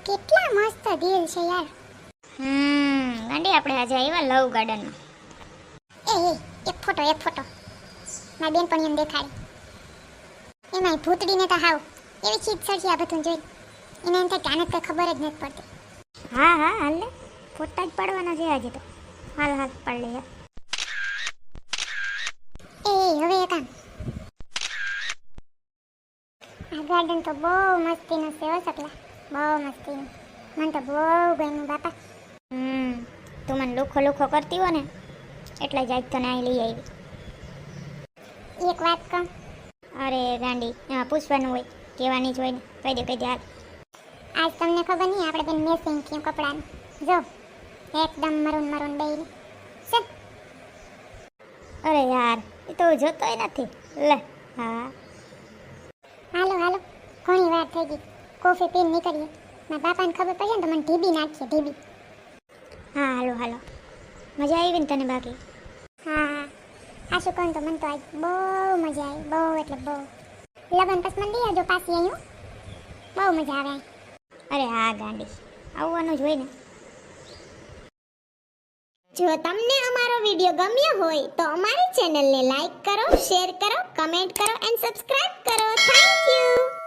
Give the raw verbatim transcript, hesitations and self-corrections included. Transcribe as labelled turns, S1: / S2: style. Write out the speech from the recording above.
S1: કેટલા મસ્ત દિલ છે યાર.
S2: હમ ગાંડી આપણે આજે આવ્યા લવ ગાર્ડનમાં.
S1: એ એ એક ફોટો એક ફોટો મારી બેન પણ એમ દેખાડી. એમાં ભૂતડીને તો હાવ એવી ચીજ સરસી આ બધું જોઈ એને એમ થાય કે આને કઈ ખબર જ નથી પડતી.
S2: હા હા હાલ ને ફોટા જ પાડવાના છે આજે તો. હાલ હાલ પાડ લે યાર.
S1: એ એ હવે એક કામ, આ ગાર્ડન તો બહુ મસ્તીનું છે હો સકલા, બહુ મસ્તીનું. મને તો બહુ ગમ્યું બાપા.
S2: હમ તું મને લુખો લુખો કરતી હો ને એટલે જ આજ તને અહીં લઈ આવી.
S1: એક વાત કહું,
S2: અરે ગાંડી એમાં પૂછવાનું હોય કહેવાની જ હોય ને. કહી દે કહી દે હાલ.
S1: આજ તમને ખબર નહીં આપણે બેન મેસિંગ થયું કપડાનું. જો એકદમ મરૂન મરૂન બેયને છે.
S2: અરે યાર એ તો જોતોય નથી લે. હા
S1: હાલો હાલો ઘણી વાર થઈ ગઈ, કોફી પીને નીકળીએ. મારા બાપાને ખબર પડશે ને તો મને ઢીબી નાખીએ ઢીબી.
S2: હા હાલો હાલો. મજા આવી ને તને બાકી?
S1: હા હા આ શું કહું તો મને તો આજ બહુ મજા આવી, બહુ એટલે બહુ. લગન પછી મને લઈ આવજો પાછી અહીં હો. બહુ મજા આવે અહીં.
S2: અરે હા ગાંડી આવવાનું જ હોય ને.
S1: જો તમને અમારો વિડિયો ગમ્યો હોય તો અમારી ચેનલને લાઈક કરો, શેર કરો, કમેન્ટ કરો એન્ડ સબસ્ક્રાઇબ કરો. Thank you.